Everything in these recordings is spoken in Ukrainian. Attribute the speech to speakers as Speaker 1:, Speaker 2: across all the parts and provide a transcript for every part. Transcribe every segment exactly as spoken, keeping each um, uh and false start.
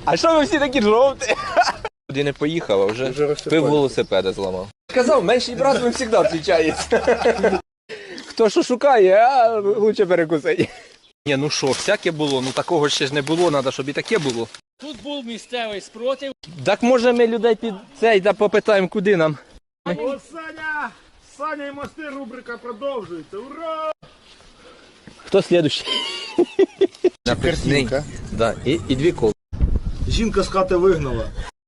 Speaker 1: А що ви всі такі жовті? Куди не поїхав, а вже, вже пив велосипеда зламав. Казав, менший брат він завжди відрізняється. Хто що шукає, а лучше перекусить. Ні, ну що, всяке було, ну такого ще ж не було, треба, щоб і таке було.
Speaker 2: Тут був місцевий спротив.
Speaker 1: Так може ми людей під цей да попитаємо, куди нам.
Speaker 3: О, Саня! Саня і мости, рубрика продовжується. Ура!
Speaker 1: Хто слідущий?
Speaker 3: Картинка.
Speaker 1: Да, і, і дві коли.
Speaker 3: Жінка з хати вигнала.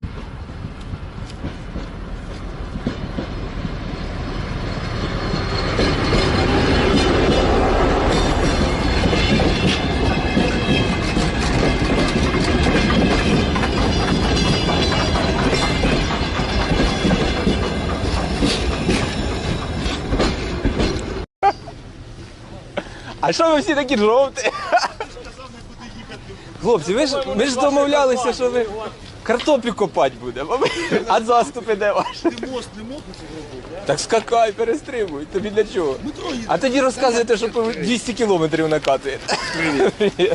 Speaker 1: А що ви всі такі жовті? Хлопці, ви ж, ми ж домовлялися, що ви картоплю копати будемо, а заступи де ваші?
Speaker 3: Ти мост не мог зробити, а?
Speaker 1: Так скакай, перестрибуй, тобі для чого? А тоді розказуєте, що по двісті кілометрів накатуєте. Привіт.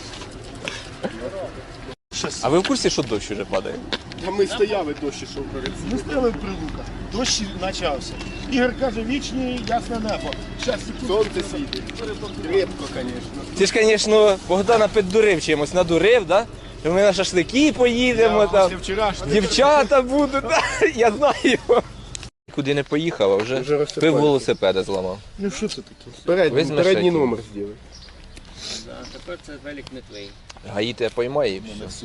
Speaker 1: А ви в курсі, що дощ вже падає?
Speaker 3: А ми стояли, дощ ішов перед цим. Ми стояли в прилуках. Дощ почався. Ігор каже, вічні ясне небо. Щас сонце світить. Крепко, звісно.
Speaker 1: Ти ж, звісно, Богдана піддурив чимось, надурив, да? Що ми на шашлики поїдемо, там, дівчата будуть, да? Я знаю. Куди не поїхав, а вже, вже пив велосипеда зламав.
Speaker 3: Ну що це таке? Передній,
Speaker 1: Візьмеш
Speaker 3: передній
Speaker 1: який?
Speaker 3: номер зробив.
Speaker 2: Да, тепер це велик не твій.
Speaker 1: Гаї тебе поймає і все.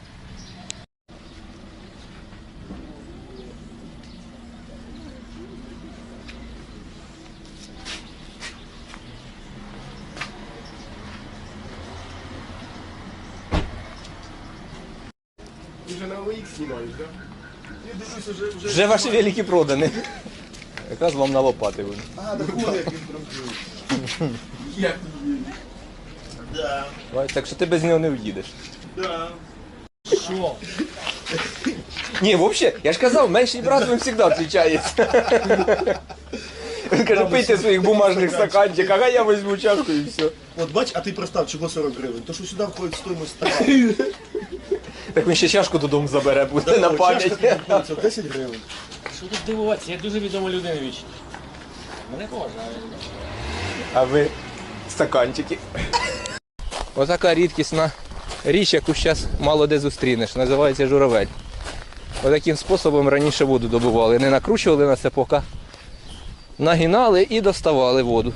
Speaker 3: Ти вже на ОХ знімаєш, так? Я дивлюся, вже... Вже,
Speaker 1: Вже ваші великі продані. Якраз вам на лопати буде.
Speaker 3: А, так вон як він промчив. Як він? Да,
Speaker 1: Так що ти без нього не в'їдеш.
Speaker 3: да.
Speaker 2: Що?
Speaker 1: Ні, взагалі, я ж казав, менший брат він завжди відрізняється. Він каже, пийте своїх бумажних стаканчиків, а я візьму чашку і все.
Speaker 3: От бач, а ти простав, чого сорок гривень? То що сюди входить стоїмость стакану.
Speaker 1: Так він ще чашку додому забере, буде на пам'ять.
Speaker 3: Це десять гривень.
Speaker 2: Що тут дивуватися? Я дуже відома людина вічна. Мене поважають.
Speaker 1: А ви стаканчики. Отака рідкісна річ, яку зараз мало де зустрінеш, називається журавель. Отаким способом раніше воду добували. Не накручували на сапока, нагинали і доставали воду.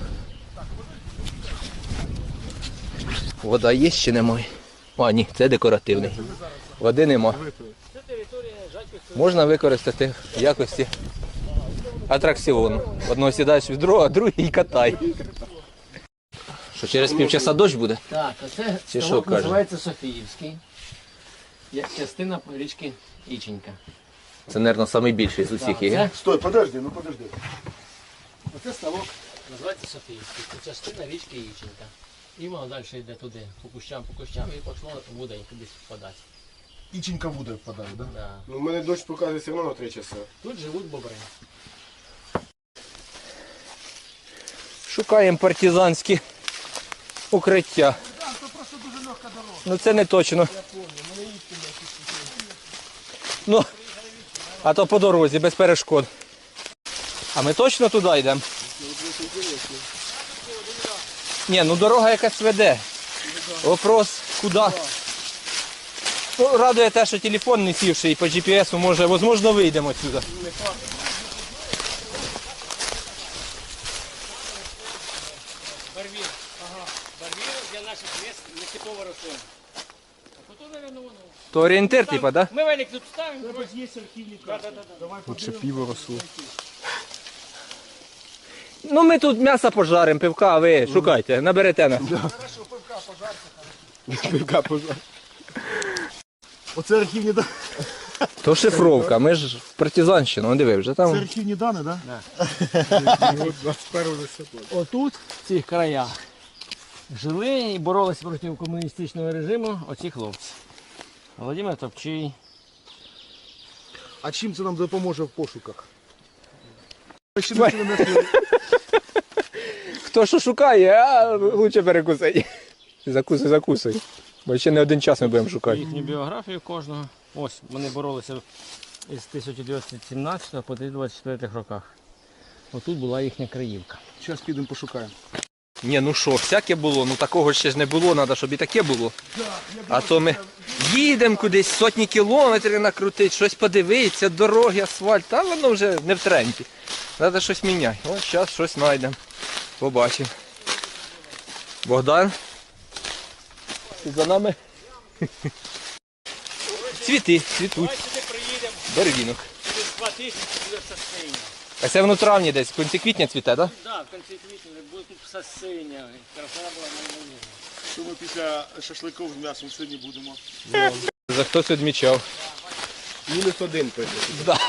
Speaker 1: Вода є чи немає? А, ні, це декоративний. Води нема. Можна використати в якості атракціону. Одного сідаєш в відро, а другий катай. Що, через півчаса дощ буде?
Speaker 2: Так, а це
Speaker 1: Чи що
Speaker 2: ставок
Speaker 1: каже?
Speaker 2: називається Софіївський. Є частина річки Іченька.
Speaker 1: Це, мабуть, найбільший з усіх є.
Speaker 2: Це,
Speaker 3: Стой, подожди, ну подожди.
Speaker 2: оце ставок називається Софіївський. Це частина річки Іченька. І воно далі йде туди, по кущам, по кущам, і пішло буде кудись впадати.
Speaker 3: Іченька в воду впадає, так?
Speaker 2: Да.
Speaker 3: Ну, у мене дощ показує все одно на три часа.
Speaker 2: Тут живуть бобри.
Speaker 1: Шукаємо партизанські укриття. Ну це не точно. Ну, а то по дорозі, без перешкод. А ми точно туди йдемо? Ні, ну дорога якась веде. Вопрос, куди? Ну, радує те, що телефон не сівший і по джі пі ес, може, можливо, вийдемо сюди.
Speaker 2: Барвір. Ага. Барвір для наших міст не типова рослина. А потім, мабуть, воно.
Speaker 1: То орієнтир, типа, так?
Speaker 2: Ми велик тут ставимо.
Speaker 3: Тебе ж є архівні карти. Давай
Speaker 1: Лучше пиво росло. Ну ми тут м'ясо пожаримо, пивка, а ви шукайте, наберете нас.
Speaker 3: Хорошо, пивка пожарка. Пивка пожарка. Оце архівні дані.
Speaker 1: То шифровка, ми ж в партизанщину, диви, вже
Speaker 3: Це
Speaker 1: там.
Speaker 3: архівні дані, так? Так.
Speaker 2: Отут, в цих краях, жили і боролися проти комуністичного режиму оці хлопці. Володимир Топчий.
Speaker 3: А чим це нам допоможе в пошуках?
Speaker 1: Хто що шукає, а лучше перекусить. Закусуй, закусуй. Бо ще не один час ми будемо шукати.
Speaker 2: Їхню біографію кожного. Ось, вони боролися із тисяча дев'ятсот сімнадцятого по двадцять четвертих роках. Отут була їхня Криївка.
Speaker 3: Зараз підемо пошукаємо.
Speaker 1: Ні, ну що, всяке було, ну такого ще ж не було, треба, щоб і таке було. А то ми їдемо кудись, сотні кілометрів накрутити, щось подивитися, дороги, асфальт, та воно вже не в тренді. Треба щось міняти. Ось зараз щось знайдемо. Побачимо. Богдан. Ти за нами? Цвіти, цвітуть.
Speaker 2: Сюди приїдемо,
Speaker 1: Барвінок.
Speaker 2: через два тижні буде все синє.
Speaker 1: А це воно в травні десь, в кінці квітня цвіте, так?
Speaker 2: Так, в кінці квітня буде тут все синє. Краса була неймовірна.
Speaker 3: Що ми після шашликів з м'ясом сьогодні будемо?
Speaker 1: За хтось відмічав.
Speaker 3: Мінус один пише.
Speaker 1: Да.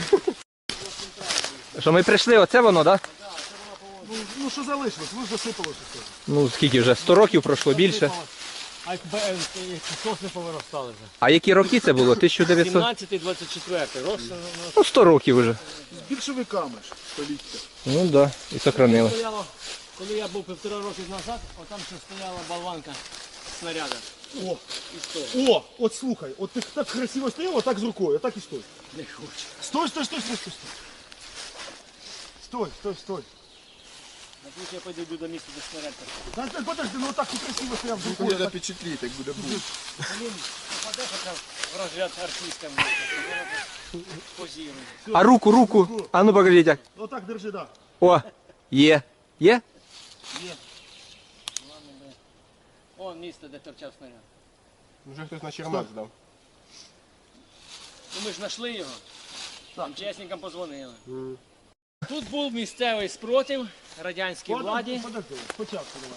Speaker 1: Що ми прийшли, оце воно, так? Да?
Speaker 3: Ну, ну що залишилось? Ви ж засипали все.
Speaker 1: Ну скільки вже? сто років пройшло більше.
Speaker 2: А як сосни повиростали вже.
Speaker 1: А які роки це було? тисяча дев'ятсот?
Speaker 2: сімнадцятий двадцять четвертий. Рос
Speaker 1: Ну сто років вже.
Speaker 3: З більшовиками ж століття.
Speaker 1: Ну так, да. І сохранили.
Speaker 2: стояло, коли я був півтора роки назад, отам ще стояла болванка снаряда.
Speaker 3: О,
Speaker 2: І сто.
Speaker 3: о, от слухай, от ти так красиво стояв, отак з рукою, отак і стой.
Speaker 2: Не хочу.
Speaker 3: Стой, стой, стой, стой, стой. Стой, стой, стой.
Speaker 2: На ключ я пойду до місця, де снаряд.
Speaker 3: Та ти подожди, ну отак ти красиво стояв з рукою.
Speaker 4: Буде запечатліть, як буде був.
Speaker 2: Блін, попаде хоча б в розряд артистам. Позірує.
Speaker 1: А руку, руку. А ну покажіть як.
Speaker 3: Отак держи, да.
Speaker 1: О, є. Є?
Speaker 2: О, місце, де торчав снаряд.
Speaker 4: Вже хтось на чермак здав.
Speaker 2: Ну ми ж знайшли його. Там чесникам позвонили. Тут був місцевий спротив радянській владі.
Speaker 3: Подожди, спочатку давай.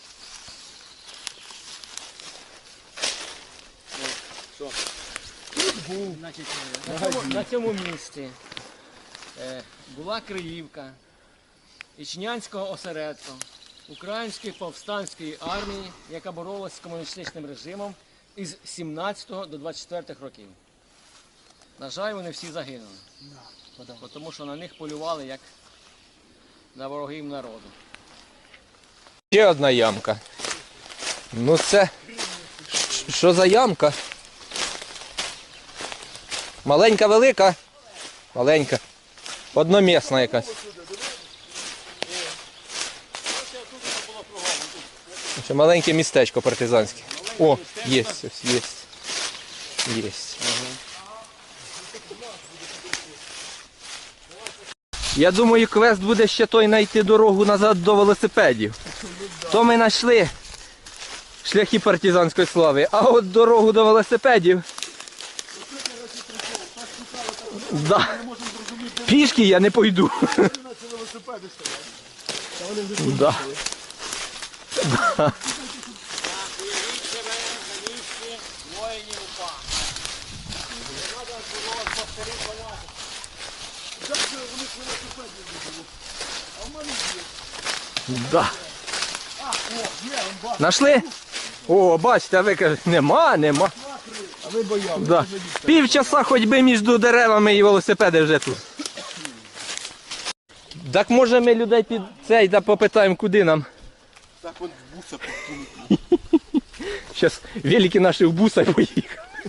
Speaker 2: Значить, на, цьому, на цьому місці е, була Криївка Ічнянського осередку Української повстанської армії, яка боролась з комуністичним режимом із сімнадцятого до двадцять четвертих років. На жаль, вони всі загинули, бо тому що на них полювали як на ворогів народу.
Speaker 1: Ще одна ямка. Ну це. Що за ямка? Маленька, велика? Маленька. Одномісна якась. Ще маленьке містечко партизанське. О, є, ось, є. Є. Я думаю, квест буде ще той знайти дорогу назад до велосипедів. То ми знайшли шляхи партизанської слави, а от дорогу до велосипедів. Да. Пішки я не пойду. Да. Да.
Speaker 2: Уявіть себе на місці воїнів УПА. Не треба було повторити вояти.
Speaker 1: Да. Нашли? О, бачите, а ви кажете, нема, нема.
Speaker 3: А ви боялися.
Speaker 1: Да. Півчаса ходьби між деревами і велосипеди вже тут. Так може ми людей під цей да попитаємо, куди нам.
Speaker 4: Так от буса
Speaker 1: Зараз велики наші в буса поїхали.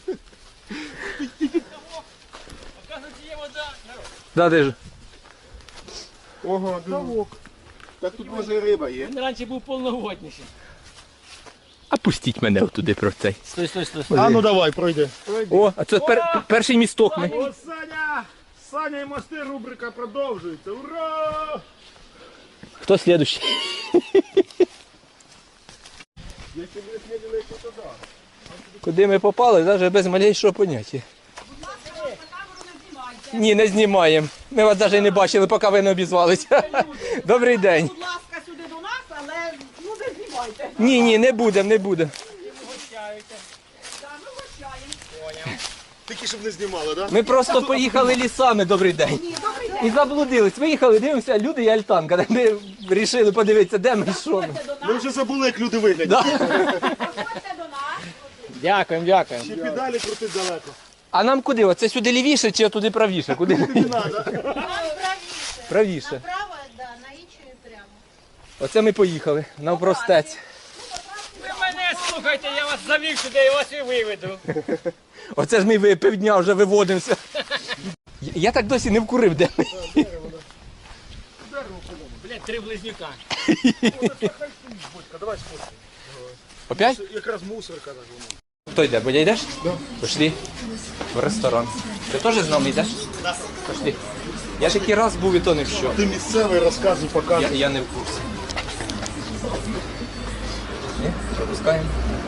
Speaker 2: Оказується, є вода.
Speaker 1: Да, де ж?
Speaker 4: Ого, ставок. Так тут може і риба є.
Speaker 2: Він раніше був повноводніший.
Speaker 1: А пустіть мене туди про цей.
Speaker 2: Стой, стой, стой.
Speaker 3: А ну давай, пройди.
Speaker 1: О, а це пер, перший місток. Ми.
Speaker 3: О, Саня! Саня і мости, рубрика продовжується. Ура!
Speaker 1: Хто слідущий?
Speaker 3: Якщо ви слідили, то туди.
Speaker 1: Куди ми попали, навіть без малейшого поняття. Ні, не знімаємо. Ми вас навіть не бачили, поки ви не обізвалися. Добрий день.
Speaker 5: Будь ласка, сюди до нас, але ну не знімайте.
Speaker 1: Ні, ні, не будемо, не будемо.
Speaker 5: Так, ми гощаємо.
Speaker 3: Тільки щоб не знімали, так?
Speaker 1: Ми просто поїхали лісами, добрий день.
Speaker 5: Ні, добрий день.
Speaker 1: І заблудились. Виїхали, дивимося, люди і альтанка. Ми вирішили подивитися, де ми і що ми.
Speaker 5: Заходьте до
Speaker 3: Ми
Speaker 5: нас,
Speaker 3: вже забули, як люди виглядять.
Speaker 1: Да.
Speaker 5: заходьте до нас.
Speaker 2: Дякуємо, дякуємо.
Speaker 3: Ще педалі крутить далеко.
Speaker 1: А нам куди? Оце сюди лівіше чи туди правіше? Куди?
Speaker 3: Не треба.
Speaker 5: Нам правіше.
Speaker 1: Правіше.
Speaker 5: Направо, да, на Ічію прямо.
Speaker 1: Оце ми поїхали. Навпростець.
Speaker 2: Ви мене Слухайте, я вас завів сюди, я вас і виведу.
Speaker 1: Оце ж ми ви- півдня вже виводимося. Я, я так досі не вкурив, де ми.
Speaker 2: Блядь, три близнюка.
Speaker 3: Давай сфоткай.
Speaker 1: Опять?
Speaker 3: Якраз мусорка так воно.
Speaker 1: Хто йде? Бодя йдеш? Да. Пішли в ресторан. Ти теж з нами йдеш? Так. Пішли. Я ж який раз був і то не в що.
Speaker 3: Ти місцевий, розказуй,
Speaker 1: Я,
Speaker 3: показуй.
Speaker 1: я не в курсі. Ні? Пропускаємо.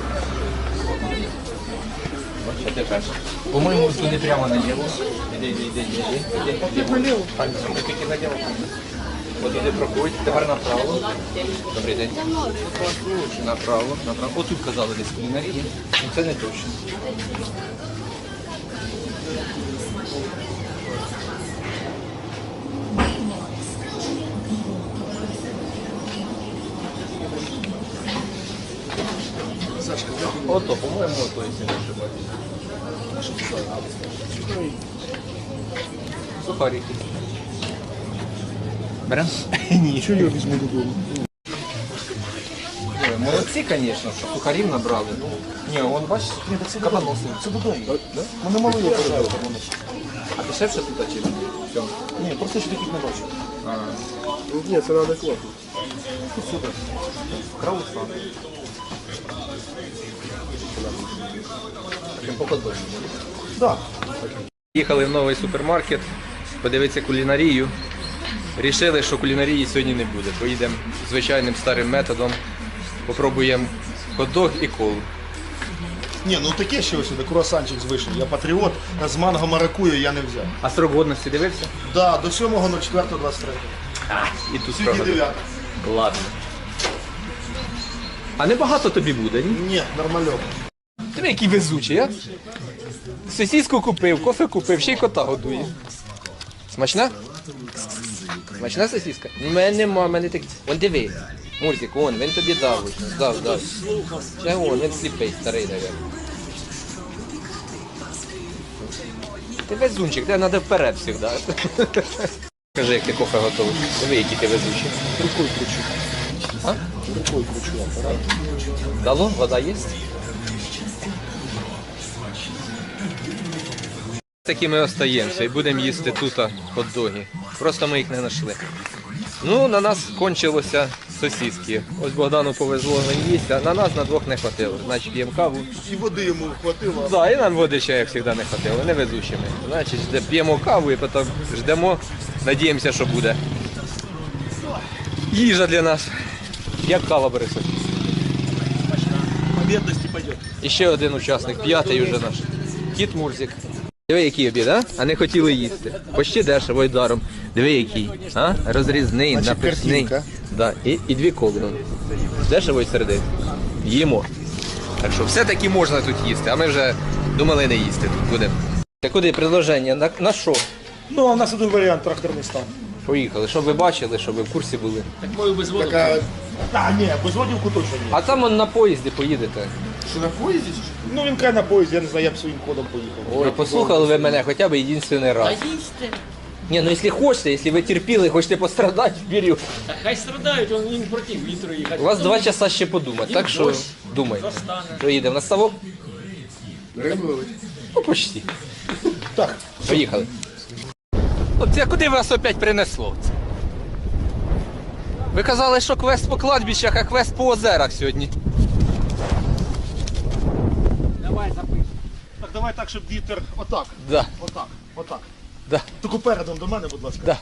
Speaker 1: Ось, що ти перший. По-моєму, туди прямо наліво. Іди, іди, іди, іди. Іди, іди. А, ні, тільки наліво. От іди проходь, тепер направо. Добрий день. Направо, направо. Отут казали десь кулінарії. Ну, це не точно. Ото, по-моєму, ото, якщо не ошибаюсь. Сухарики. Берем? Ні.
Speaker 3: Що я візьму додому?
Speaker 1: Ой, молодці, звісно, що сухарів набрали. Ні, вон бачиш, кабаноси.
Speaker 3: Це додому. Да? Мене мало є пожалуй.
Speaker 1: А дешевше тут чи? В цьому?
Speaker 3: Ні, просто ще таких не бачу.
Speaker 1: А,
Speaker 3: Ні, це неадекватно.
Speaker 1: супер. Краусан. Таким походом.
Speaker 3: Так.
Speaker 1: Їхали в новий супермаркет, подивитися кулінарію. Рішили, що кулінарії сьогодні не буде. Поїдемо звичайним старим методом. Попробуємо хот-дог і колу.
Speaker 3: Ні, ну таке ще ось сюди, круасанчик з вишні. Я патріот, а з манго маракую я не взяв.
Speaker 1: А срок годності дивився?
Speaker 3: Да, до сьомого четвертого двадцять третього.
Speaker 1: І тут
Speaker 3: Тільки
Speaker 1: срок.
Speaker 3: дев'ятого.
Speaker 1: Ладно. А небагато тобі буде, ні?
Speaker 3: Ні, нормальок.
Speaker 1: Ти який везучий, а? Сосиску купив, кофе купив, ще й кота годує. Смачна? Смачна сосиска? У мене нема, в мене так. Вон диви. Мурзик, вон, він тобі дав. ось, Дав, дав. Ще вон, він сліпий, старий, навіть. Ти везунчик, тебе треба вперед завжди. Скажи, як ти кофе готовий. Диви, який ти везучий.
Speaker 3: Рукою кручу.
Speaker 1: А?
Speaker 3: Рукою кручу апарат.
Speaker 1: Дало? Вода є? Такі ми остаємося і будемо їсти тут хот-доги. Просто ми їх не знайшли. Ну, на нас кончилося сосиски. Ось Богдану повезло, він їсть, а на нас на двох не хватило. Значить, п'ємо каву.
Speaker 3: І води йому хватило.
Speaker 1: Так, і нам води ще, як завжди, не хватило, не везучі ми. Значить, жде- п'ємо каву і потім ждемо, надіємося, що буде. Їжа для нас. Як кава, Борисович?
Speaker 3: По бідності пойде.
Speaker 1: І ще один учасник, п'ятий вже наш. Кіт Мурзик. Диви, який обід, а? А не хотіли їсти. Почти дешево і даром. Диви, який. А? Розрізний,
Speaker 3: Значить,
Speaker 1: написний.
Speaker 3: картинка.
Speaker 1: Да. І, і дві коли. ну. Дешево і середин. Їмо. Так що все-таки можна тут їсти, а ми вже думали не їсти тут будемо. Та куди предложення? На, на що?
Speaker 3: Ну, а в нас один варіант, тракторний стан.
Speaker 1: Поїхали. Щоб ви бачили, щоб ви в курсі були.
Speaker 2: Так мою без воду.
Speaker 3: Така... А, ні, без водівку точно ні.
Speaker 1: А там он на поїзді поїдете.
Speaker 3: Що на поїзді? Ну, він каже на поїзді, я не знаю, я б своїм ходом поїхав.
Speaker 1: Ой, послухали ви мене хоча б єдиний раз.
Speaker 2: Та їсти.
Speaker 1: Ні, ну якщо хочете, якщо ви терпіли, хочете пострадати, вперед.
Speaker 2: Та хай страдають, він їм проти вітру їхати.
Speaker 1: У вас два часа ще подумати, так що
Speaker 2: дощ
Speaker 1: думайте.
Speaker 2: застане.
Speaker 1: Що їдемо на ставок?
Speaker 3: Рибович.
Speaker 1: Ну, почти.
Speaker 3: Так.
Speaker 1: Поїхали. Хлопці, а куди вас опять принесло? Ви казали, що квест по кладбищах, а квест по озерах сьогодні.
Speaker 2: Давай запишемо.
Speaker 3: Так, давай так, щоб вітер отак.
Speaker 1: Да,
Speaker 3: Отак. Отак.
Speaker 1: да,
Speaker 3: Тільки передом до мене, будь ласка.
Speaker 1: да.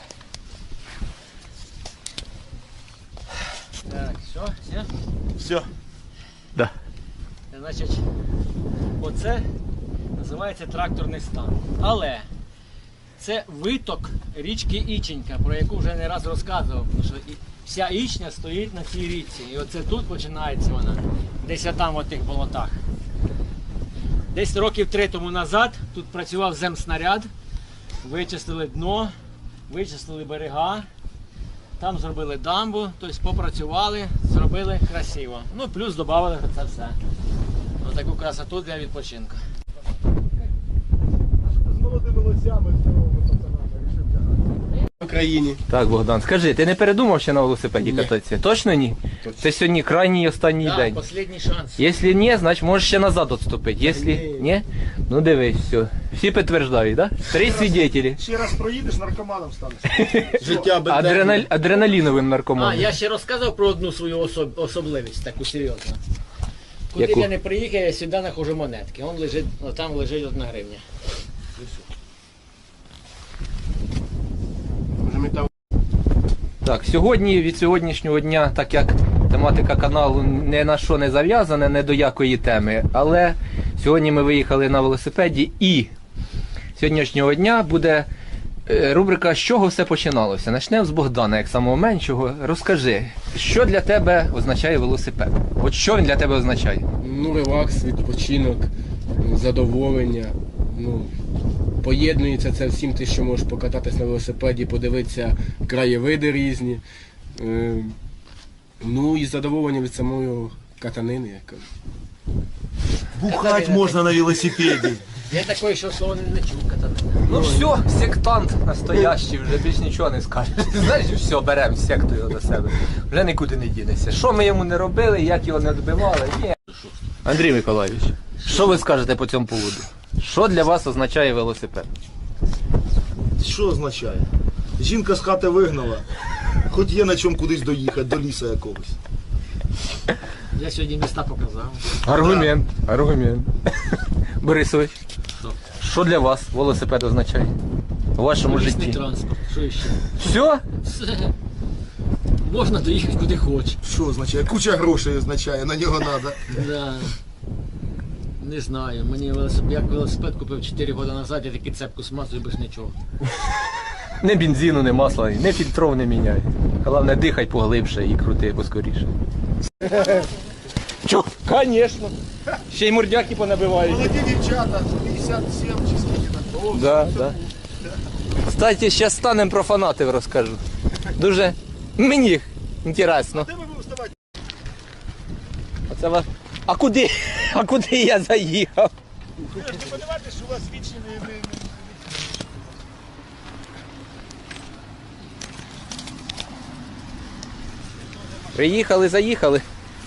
Speaker 2: Так, все, все.
Speaker 3: Все.
Speaker 1: Да.
Speaker 2: Значить, оце називається тракторний стан. Але це виток річки Іченька, про яку вже не раз розказував. Тому що і- вся Ічня стоїть на цій річці. І оце тут починається вона. Десь там в тих болотах. Десь років три тому назад тут працював земснаряд, вичистили дно, вичистили берега, там зробили дамбу, тобто попрацювали, зробили красиво. Ну плюс додали це все. Ось таку красоту для відпочинку.
Speaker 3: З молодими лосями, здоровими пацанами, рішив тягати.
Speaker 4: В Україні.
Speaker 1: Так, Богдан, скажи, ти не передумав ще на велосипеді
Speaker 4: Ні.
Speaker 1: кататися? Точно ні?
Speaker 4: Точно.
Speaker 1: Це сьогодні крайній і останній
Speaker 2: Да,
Speaker 1: день.
Speaker 2: останній шанс.
Speaker 1: Якщо ні, значить можеш ще назад відступити. Якщо ні, ну дивись, все. Всі підтверджують, так? Да? Три свідетелі.
Speaker 3: Ще раз проїдеш, наркоманом станеш.
Speaker 4: Життя без
Speaker 1: Адреналь... Адреналіновим
Speaker 2: А,
Speaker 1: наркоманом.
Speaker 2: я ще розказав про одну свою особ... особливість, таку серйозну. Куди б
Speaker 1: Яку?
Speaker 2: я не приїхав, я сюди знаходжу монетки. Он лежить, о, там лежить одна гривня.
Speaker 4: Може ми там
Speaker 1: Так, сьогодні, від сьогоднішнього дня, так як тематика каналу ні на що не зав'язана, не до якої теми, але сьогодні ми виїхали на велосипеді і з сьогоднішнього дня буде е, рубрика «З чого все починалося?». Почнемо з Богдана, як самого меншого. Розкажи, що для тебе означає велосипед? От що він для тебе означає?
Speaker 6: Ну, релакс, відпочинок, задоволення. Ну, поєднується це всім, ти що можеш покататись на велосипеді, подивитися краєвиди різні. Е, ну і задоволення від самої катанини, як кажуть.
Speaker 3: Бухать можна на велосипеді.
Speaker 2: Я такої, що слова не, не чув катати.
Speaker 1: Ну все, сектант настоящий, вже більш нічого не скажеш. Знаєш, все, беремо секту його до себе. Вже нікуди не дінеться. Що ми йому не робили, як його не добивали, ні. Андрій Миколайович, що ви скажете по цьому поводу? Що для вас означає велосипед?
Speaker 3: Що означає? Жінка з хати вигнала, хоч є на чому кудись доїхати, до лісу якогось.
Speaker 2: Я сьогодні міста показав.
Speaker 1: Аргумент. Аргумент. Борисович,
Speaker 2: Що?
Speaker 1: що для вас велосипед означає у вашому
Speaker 2: Лісний
Speaker 1: житті?
Speaker 2: транспорт. Що ще?
Speaker 1: Все?
Speaker 2: Все. Можна доїхати куди хочеш.
Speaker 3: Що означає? Куча грошей означає, на нього треба.
Speaker 2: Да. Не знаю, мені велосипед, як велосипед купив чотири роки назад, я таки цепку смазую без нічого.
Speaker 1: Не бензину, не масла, не фільтров не міняй. Головне, дихай поглибше і крути поскоріше. Чо? Звісно. Ще й мордяки понабивають.
Speaker 3: Молоді дівчата, п'ятдесят сім чи скільки там.
Speaker 1: Да, да. Кстати, зараз станемо про фанатів розкажу. Дуже мені інтересно.
Speaker 3: Де ви будете вставати?
Speaker 1: Оце вас... А куди? А куди я заїхав?
Speaker 3: Ви ж не подивитесь, що у вас вічні не... не- не-
Speaker 1: Приїхали, заїхали.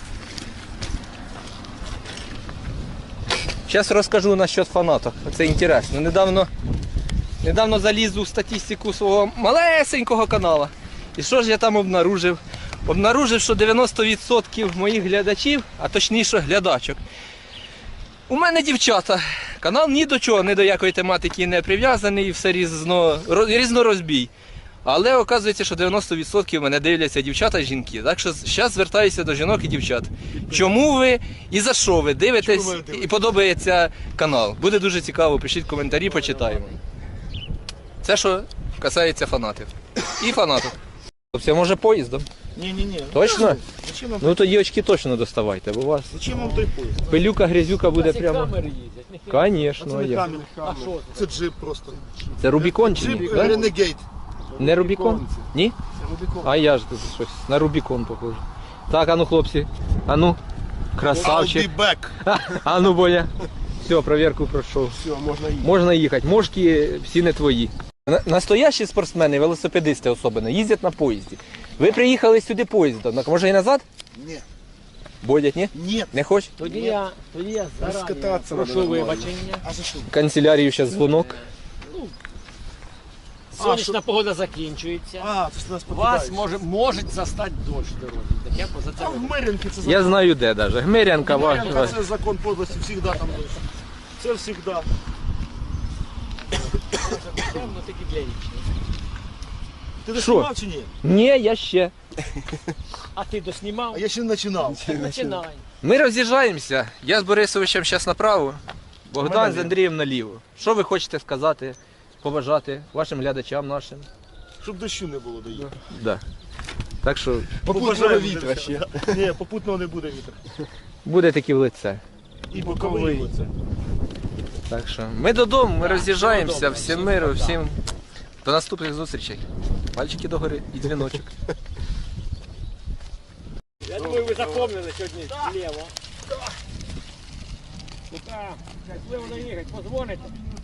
Speaker 1: Зараз розкажу насчет фанаток. Це інтересно. Недавно, недавно заліз у статистику свого малесенького каналу. І що ж я там обнаружив? Обнаружив, що дев'яносто відсотків моїх глядачів, а точніше глядачок, у мене дівчата. Канал ні до чого, ні до якої тематики не прив'язаний, і все різно, роз- різнорозбій. Але оказується, що дев'яносто відсотків мене дивляться дівчата і жінки. Так що зараз звертаюся до жінок і дівчат. Чому ви і за що ви дивитесь
Speaker 3: Чому ви дивитесь?
Speaker 1: і подобається канал? Буде дуже цікаво, пишіть коментарі, почитаємо. Це що касається фанатів. І фанатів. Хлопці, а може поїздом?
Speaker 3: Ні-ні-ні.
Speaker 1: Точно?
Speaker 3: Зачем вам,
Speaker 1: Ну тоді очки точно доставайте, бо у вас
Speaker 3: зачем вам той поїзд?
Speaker 1: пилюка, грязюка буде
Speaker 2: Ці
Speaker 1: прямо.
Speaker 2: камери їздять. ніхера.
Speaker 1: Звісно,
Speaker 3: Це не
Speaker 1: є.
Speaker 3: камінь.
Speaker 2: А що це?
Speaker 3: Це джип просто.
Speaker 1: Це Рубікон чи
Speaker 3: Джип
Speaker 1: ні? Да?
Speaker 3: Ренегейт.
Speaker 1: Не Рубікон? Ні?
Speaker 3: Це Рубікон.
Speaker 1: А я ж тут щось на Рубікон похоже. Так, а ну хлопці, а ну, красавчик.
Speaker 3: I'll be back.
Speaker 1: А ну, Боля. Все, проверку пройшов.
Speaker 3: Все, можна їхати.
Speaker 1: Можна їхати. Мошки всі не твої. На- Настоящі спортсмени, велосипедисти особливо, їздять на поїзді. Ви приїхали сюди поїздом. Так, може і назад?
Speaker 3: Ні.
Speaker 1: Бодять, ні?
Speaker 3: Ні.
Speaker 1: Не хочеш?
Speaker 2: Тоді я, тоді я зарані
Speaker 3: Розкататися
Speaker 2: прошу
Speaker 3: надо нормально.
Speaker 2: вибачення.
Speaker 3: А за що?
Speaker 1: В канцелярію зараз дзвонок.
Speaker 2: Сонячна погода закінчується.
Speaker 3: А, це ж нас
Speaker 2: Вас
Speaker 3: покидають.
Speaker 2: може, може застати дощ в дорозі. Так я поза це
Speaker 3: А в
Speaker 2: вибачаю.
Speaker 3: Мирянки це закон.
Speaker 1: Я знаю де навіть. Гмирянка
Speaker 3: Мирянка
Speaker 1: ваша.
Speaker 3: це закон подлості, завжди там дощ. Це завжди.
Speaker 2: Темно, тільки для річні.
Speaker 3: Ти
Speaker 1: Що?
Speaker 3: доснімав чи ні?
Speaker 1: Ні, я ще.
Speaker 2: А ти доснімав?
Speaker 3: А я ще не починав.
Speaker 2: Починай.
Speaker 1: Ми роз'їжджаємося. Я з Борисовичем зараз направо, Богдан з Андрієм наліво. Що ви хочете сказати, побажати вашим глядачам нашим?
Speaker 3: Щоб дощу не було доїхати.
Speaker 1: Да. Так що
Speaker 3: Попутного вітра ще. Ні, попутного не буде вітра.
Speaker 1: буде таки в лице.
Speaker 3: І боковий. оце.
Speaker 1: Так що ми додому, ми роз'їжджаємося.
Speaker 2: додому.
Speaker 1: Всім
Speaker 2: Всім
Speaker 1: миру,
Speaker 2: пока.
Speaker 1: всім до наступних зустрічей. Пальчики догори і дзвіночок.
Speaker 2: Я думаю, ви запомнили сьогодні зліво. Так, щасливо доїхати, позвоните.